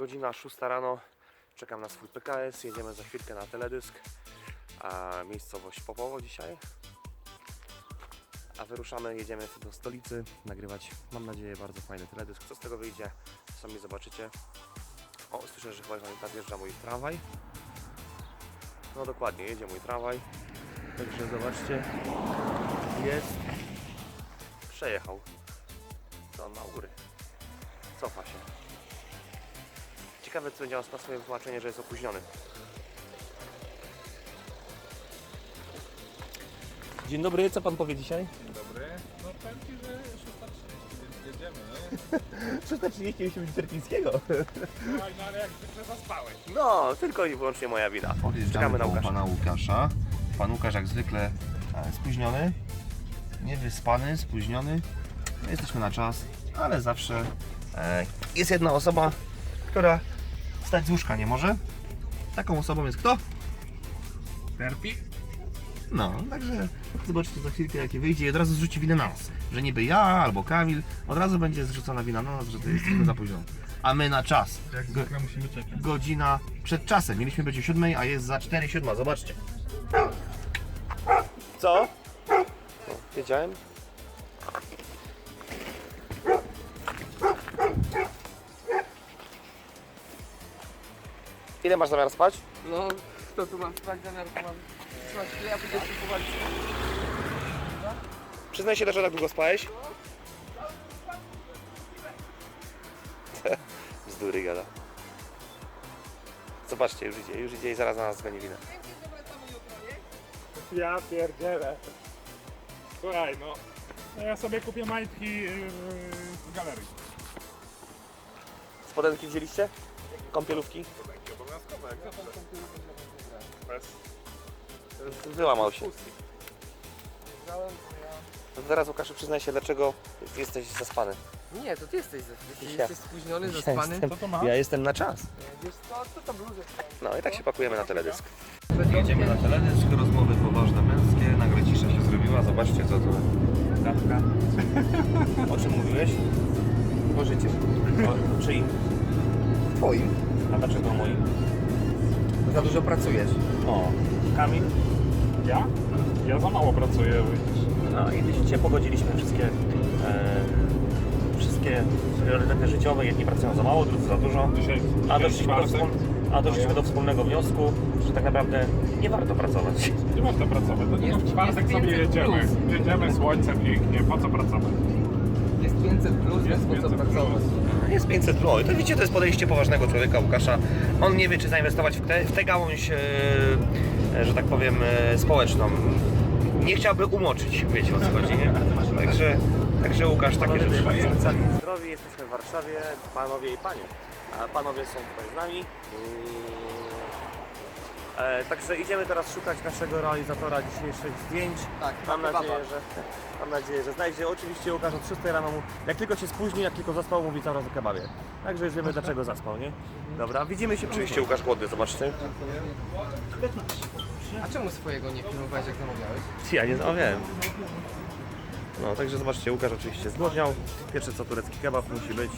Godzina 6 rano, czekam na swój PKS, jedziemy za chwilkę na teledysk, a miejscowość Popowo dzisiaj. A wyruszamy, jedziemy do stolicy nagrywać, mam nadzieję, bardzo fajny teledysk. Co z tego wyjdzie, sami zobaczycie. O, słyszę, że chyba nadjeżdża mój tramwaj. No dokładnie, jedzie mój tramwaj. Także zobaczcie, jest, przejechał. Co on ma u góry? Cofa się. Ciekawe, co będzie na swoje wytłumaczenie, że jest opóźniony. Dzień dobry, co pan powie dzisiaj? Dzień dobry. No powiem Ci, że 6:30, więc jedziemy, nie? 6:30 musi być Terpińskiego. Słuchaj, no ale jak zwykle zaspałeś. No, tylko i wyłącznie moja wina. Czekamy na Łukasza. Pana Łukasza. Pan Łukasz jak zwykle spóźniony, niewyspany, spóźniony. My jesteśmy na czas, ale zawsze jest jedna osoba, która wstać z łóżka nie może. Taką osobą jest kto? Terpi? No, także zobaczcie za chwilkę jakie wyjdzie i od razu zrzuci winę na nas. Że niby ja albo Kamil, od razu będzie zrzucona wina na nas, że to jesteśmy zapóźnioni. A my na czas. Jak zwykle musimy czekać. Godzina przed czasem. Mieliśmy być o 7, a jest za 4:07. Zobaczcie. Co? No, wiedziałem. Ile masz zamiar spać? No, kto tu mam spać zamiar, to mam spać chwilę, a pójdę się powalić. Przyznaj się, dlaczego tak długo spałeś? Bzdury gada. Zobaczcie, już idzie i zaraz na nas zgoni winę. Ja pierdzielę. Słuchaj, no ja sobie kupię majtki w galerii. Spodenki wzięliście? Kąpielówki? To będzie obowiązkowe, jak zawsze. Bez Wyłamał się. pustki. To teraz, Łukaszu, przyznaj się, dlaczego jesteś zaspany. Nie, to ty jesteś, Ja. jesteś spóźniony, zaspany. Co to masz? Ja jestem na czas. Wiesz co to bluzę? No i tak się pakujemy na teledysk. Jedziemy na teledysk, rozmowy poważne męskie, nagle cisza się zrobiła, zobaczcie co tu. Dawka. O czym mówiłeś? O życiu. O czyim? Twoim. A dlaczego moim? Za dużo pracujesz. O, Kamil. Ja? Ja za mało pracuję, widzisz. No i widzicie, pogodziliśmy wszystkie priorytety życiowe. Jedni pracują za mało, drudzy za dużo. Dzisiaj Doszliśmy do wspólnego wniosku, że tak naprawdę nie warto pracować. Nie warto pracować. To Jest- w czwartek jest sobie 500 jedziemy. plus. Jedziemy, słońce pięknie, po co pracować? Jest 500 plus, więc po co 500 pracować? Jest 500 plus. To widzicie, to jest podejście poważnego człowieka, Łukasza. On nie wie, czy zainwestować w tę gałąź, że tak powiem, społeczną. Nie chciałby umoczyć, wiecie o co chodzi, nie? Także Łukasz, takie rzeczy. Cali zdrowi, jesteśmy w Warszawie, panowie i panie. A panowie są tutaj z nami. Także idziemy teraz szukać naszego realizatora dzisiejszych zdjęć. Tak, Mam kebaba. nadzieję, że znajdzie. Oczywiście Łukasz od 6 rano, jak tylko się spóźni, jak tylko zaspał, mówi cały czas o kebabie. Także już wiemy, dlaczego zaspał, nie? Dobra, widzimy się. Oczywiście Łukasz głodny, zobaczcie. A czemu swojego nie filmowałeś, jak zamawiałeś? Ja nie zamawiałem. No, także zobaczcie, Łukasz oczywiście zgłodniał. Pierwsze co, turecki kebab musi być.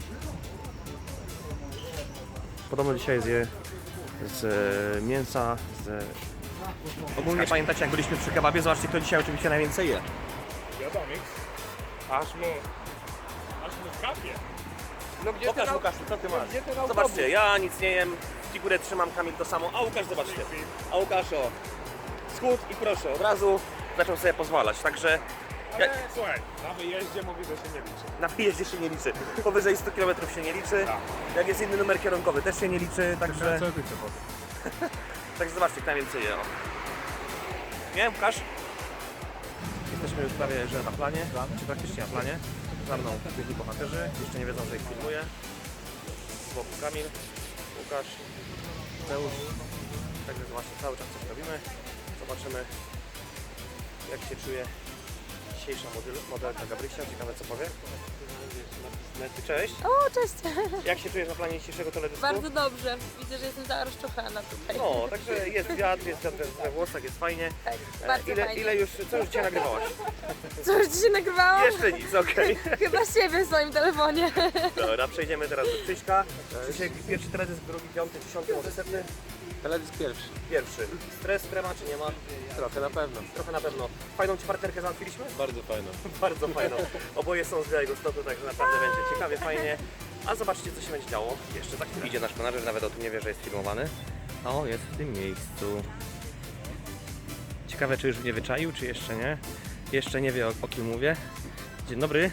Podobno dzisiaj zje z mięsa, Ogólnie pamiętacie, jak byliśmy przy kebabie, zobaczcie, kto dzisiaj oczywiście najwięcej je. Wiadomik. Aż mu kapie. No gdzie Pokaż ten Łukaszu, co ty masz? Gdzie ten autobus? Zobaczcie, ja nic nie jem, figurę trzymam, Kamil to samo, a Łukasz zobaczcie. A Łukasz o, schód i proszę, od razu zaczął sobie pozwalać, także Ale słuchaj, na wyjeździe mówi, że się nie liczy. na wyjeździe się nie liczy. Powyżej 100 km się nie liczy, Tak. jak jest inny numer kierunkowy też się nie liczy, także... Co ty powiesz? Także zobaczcie, kto najwięcej je. O. Nie, Łukasz? Jesteśmy już prawie że na planie, czy praktycznie na planie. Za mną biegli bohaterzy, jeszcze nie wiedzą, że ich filmuję. Z boku Kamil, Łukasz, Mateusz. Także zobaczcie, cały czas coś robimy. Zobaczymy, jak się czuje dzisiejsza modelka Gabrysia. Ciekawe co powie. Cześć. O, cześć! Jak się czujesz na planie dzisiejszego teledysku? Bardzo dobrze. Widzę, że jestem cała rozczochana tutaj. No, także jest wiatr we włosach, jest fajnie. Tak, bardzo fajnie. Ile już, co już dzisiaj nagrywałaś? Co, już dzisiaj nagrywałam? Jeszcze nic, okej. Chyba siebie w swoim telefonie. Dobra, przejdziemy teraz do Krzyśka. Krzysiek, pierwszy teledysk, drugi, piąty, 10, może 100? Teledysk pierwszy. Pierwszy. Stres, trema czy nie ma? Trochę na pewno. Trochę na pewno. Fajną ci partnerkę załatwiliśmy? Bardzo fajną. Bardzo fajną. Oboje są z Białegostoku, także naprawdę będzie ciekawie, fajnie. A zobaczcie, co się będzie działo jeszcze za chwilę. Idzie nasz konarzec, nawet o tym nie wie, że jest filmowany. O, jest w tym miejscu. Ciekawe, czy już mnie wyczaił, czy jeszcze nie. Jeszcze nie wie, o kim mówię. Dzień dobry.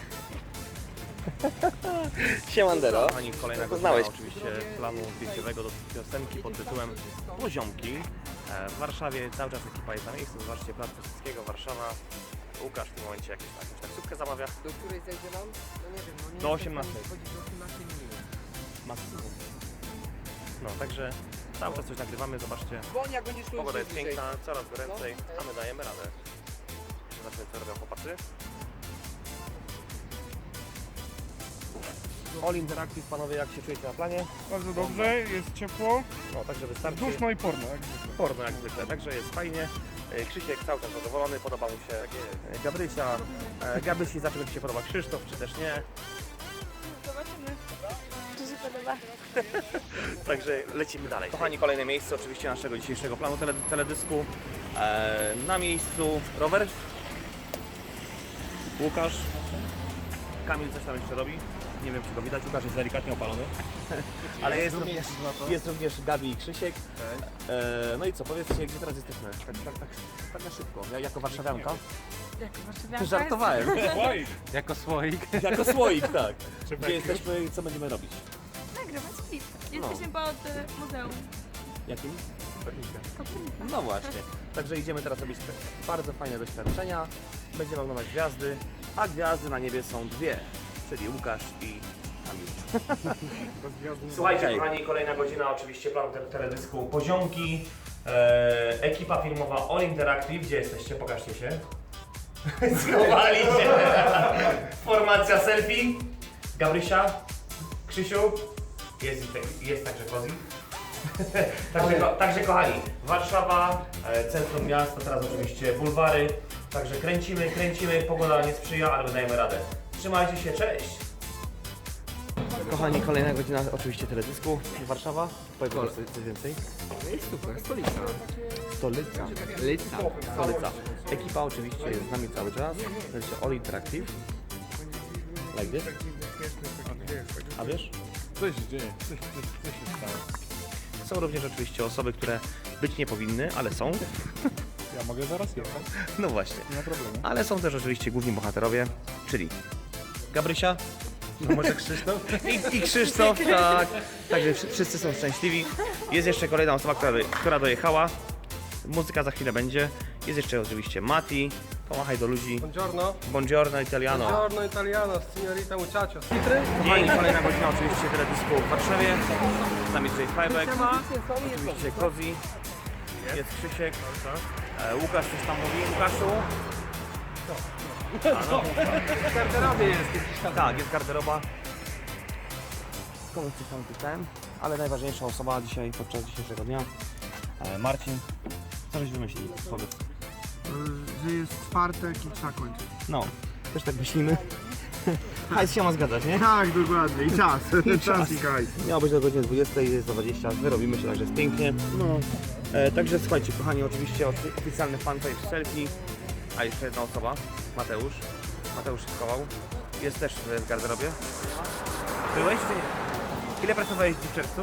Siemandero. Pani kolejna godzina oczywiście planu zdjęciowego do piosenki pod tytułem Poziomki. W Warszawie cały czas ekipa jest na miejscu. Zobaczcie, Plac Piłsudskiego, Warszawa. Łukasz w tym momencie jakąś taksówkę zamawia. Do której zejdzie nam? No nie wiem, no nie Do wiem, 18. Chodzi do 18 minut. Maksimum. No, także cały czas coś nagrywamy, zobaczcie. Bo jak będziesz tu Pogoda jest bliżej. piękna, coraz goręcej, a my dajemy radę. Zobaczmy, co robią chłopacy. All Interactive, panowie, jak się czujecie na planie? Bardzo dobrze, jest ciepło, No, także wystarczy. duszno i porno. Jak zwykle. Porno jak zwykle, także jest fajnie. Krzysiek cały czas zadowolony, podoba mu się Gabrysia. Gabrysi zawsze będzie się podoba Krzysztof, czy też nie. Zobaczymy, czy się podoba. Także lecimy dalej. Kochani, kolejne miejsce oczywiście naszego dzisiejszego planu teledysku. Na miejscu rower. Łukasz. Kamil coś tam jeszcze robi. Nie wiem, czy go widać. Łukasz jest delikatnie opalony. Ale jest również Gabi i Krzysiek. No i co, powiedzcie, gdzie teraz jesteśmy? Tak na szybko. Ja jako warszawianka. Jak warszawianka Żartowałem. Oj, Jako słoik. Jako słoik, tak. Czy Gdzie jesteśmy i co będziemy robić? jest? Nagrywać klip. Jesteśmy pod muzeum. Jakim? No właśnie. Także idziemy teraz robić bardzo fajne doświadczenia. Będziemy oglądać gwiazdy, a gwiazdy na niebie są dwie, czyli Łukasz i Kamil. Słuchajcie, kochani, kolejna godzina oczywiście planu teledysku Poziomki. Ekipa filmowa All Interactive. Gdzie jesteście? Pokażcie się. Schowali się. Formacja selfie. Gabrysia, Krzysiu. Jest także Kozi. Także kochani, Warszawa, centrum miasta, teraz oczywiście bulwary. Także kręcimy, pogoda nie sprzyja, ale dajemy radę. Trzymajcie się, cześć! Kochani, kolejna godzina oczywiście teledysku. Warszawa, powiedz coś więcej. Jest super, stolica. Stolica. Stolica. Ekipa oczywiście jest z nami cały czas. To jest All Interactive. Like this. A wiesz? coś się dzieje, coś się stało. Są również oczywiście osoby, które być nie powinny, ale są. Ja mogę zaraz jechać, No właśnie. nie ma problemu. Ale są też oczywiście główni bohaterowie, czyli Gabrysia, no może Krzysztof i Krzysztof, tak. Także wszyscy są szczęśliwi. Jest jeszcze kolejna osoba, która dojechała. Muzyka za chwilę będzie. Jest jeszcze oczywiście Mati. Pomachaj do ludzi. Buongiorno. Buongiorno Italiano. Buongiorno italiano, signorita muchacho. Dzień, kolejna godzina oczywiście teledysku w Warszawie. Z nami DJ Fajbek. Oczywiście Kozi. Jest Krzysiek. Łukasz coś tam mówi. Łukaszu. W garderobie jest. Tak, jest garderoba. Komuś coś tam pisałem, ale najważniejsza osoba dzisiaj, podczas dzisiejszego dnia, Marcin. Co żeś wymyślił? Powiedz. Że jest czwartek i trzeba kończyć. No, też tak myślimy. Hajs się ma zgadzać, nie? Tak, dokładnie. I czas. Czas i hajs. Miało być do godziny 20, jest do 20, wyrobimy się, także jest pięknie. No. Także słuchajcie, kochani, oczywiście oficjalny fanpage selfie, a jeszcze jedna osoba, Mateusz. Mateusz się schował. Jest też w garderobie. Byłeś czy nie? Ile pracowałeś w czerwcu?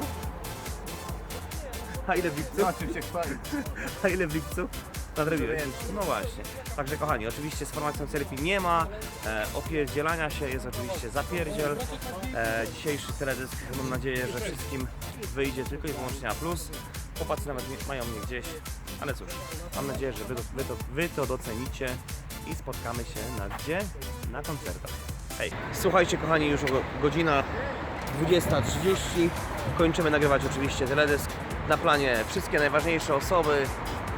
A ile w lipcu? Oczywiście chwalić. A ile w lipcu? Nadrobiłeś? No właśnie. Także kochani, oczywiście z formacją selfie nie ma opierdzielania się, jest oczywiście zapierdziel. Dzisiejszy teledysk, mam nadzieję, że wszystkim wyjdzie tylko i wyłącznie na plus. Chłopacy nawet mają mnie gdzieś, ale cóż, mam nadzieję, że wy to docenicie i spotkamy się na gdzie? Na koncertach. Hej. Słuchajcie kochani, już godzina 20:30. Kończymy nagrywać oczywiście teledysk. Na planie wszystkie najważniejsze osoby.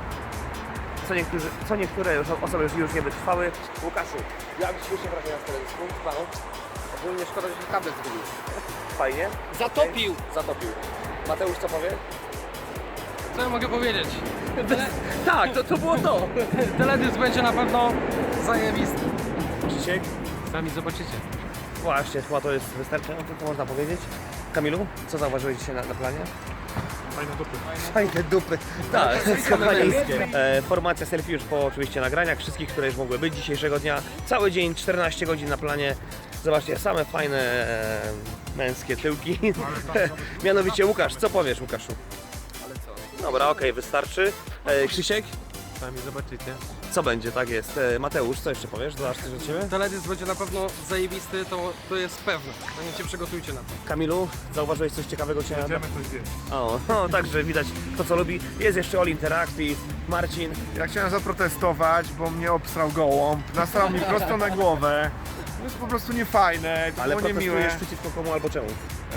Co niektóre osoby już nie wytrwały. Łukaszu, jak dzisiejsze wrażenia z teledysku? Ogólnie szkoda, że się tablet zgubił. Fajnie. Zatopił! Zatopił. Mateusz, co powie? Co ja mogę powiedzieć? Tak, to było to. Teledysk będzie na pewno zajebisty. Krzysiek? Sami zobaczycie. Właśnie, chyba to jest wystarczająco, to można powiedzieć. Kamilu, co zauważyłeś dzisiaj na planie? Fajne dupy. Fajne dupy. Tak, kochani. Formacja selfie już po oczywiście nagraniach, wszystkich, które już mogły być dzisiejszego dnia. Cały dzień, 14 godzin na planie. Zobaczcie, same fajne męskie tyłki. Mianowicie Łukasz, co powiesz, Łukaszu? Ale co? Dobra, okej, wystarczy. Krzysiek, Sami zobaczycie. co będzie, tak jest. Mateusz, co jeszcze powiesz? Dodasz coś od Ciebie? Teledysk będzie na pewno zajebisty, to jest pewne. No się przygotujcie na to. Kamilu, zauważyłeś coś ciekawego dzisiaj? Idziemy coś zjeść. O, także widać to, co lubi. Jest jeszcze All Interactive, Marcin. Ja chciałem zaprotestować, bo mnie obsrał gołąb, nasrał mi prosto na głowę. To jest po prostu niefajne, to Ale było niemiłe. protestujesz przeciwko komu albo czemu?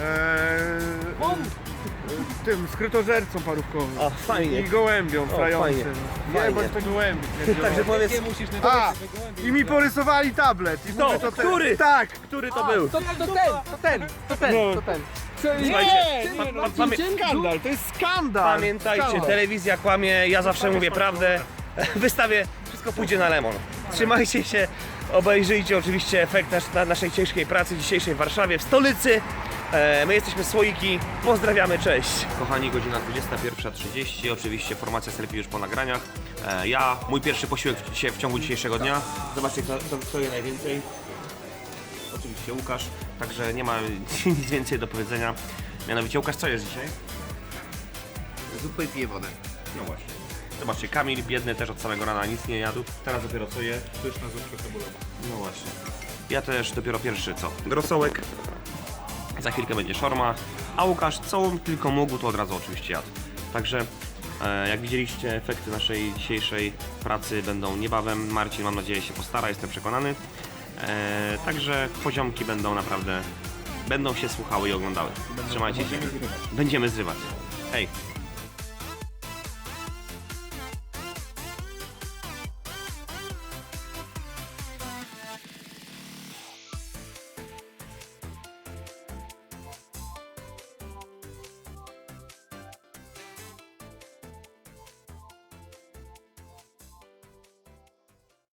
Tym skrytożercą parówkowym. O, fajnie. I gołębiom frającym. Fajnie. Nie, bądź to gołębi. Także powiedz, A! I mi porysowali tablet. I mówię, to ten. który? Tak! który to był? To ten! Słuchajcie, Skandal, to jest skandal! pamiętajcie, Skandal. telewizja kłamie, ja zawsze mówię prawdę. W wystawie wszystko pójdzie na lemon. Trzymajcie się, obejrzyjcie oczywiście efekt naszej ciężkiej pracy dzisiejszej w Warszawie, w stolicy. My jesteśmy Słoiki, pozdrawiamy, cześć! Kochani, godzina 21:30, oczywiście formacja selfie już po nagraniach. Mój pierwszy posiłek w ciągu dzisiejszego dnia. Zobaczcie, kto je najwięcej. Oczywiście Łukasz, także nie ma nic więcej do powiedzenia. Mianowicie Łukasz, co jesz dzisiaj? Zupę i piję wodę. No właśnie. Zobaczcie, Kamil biedny też od samego rana nic nie jadł, teraz dopiero co je. Pyszna zupka cebulowa. No właśnie. Ja też dopiero pierwszy co? Rosołek. Za chwilkę będzie szorma, a Łukasz co tylko mógł, to od razu oczywiście jadł. Także jak widzieliście, efekty naszej dzisiejszej pracy będą niebawem. Marcin, mam nadzieję, się postara, jestem przekonany. Także poziomki będą naprawdę, będą się słuchały i oglądały. Trzymajcie się. Będziemy zrywać. Hej!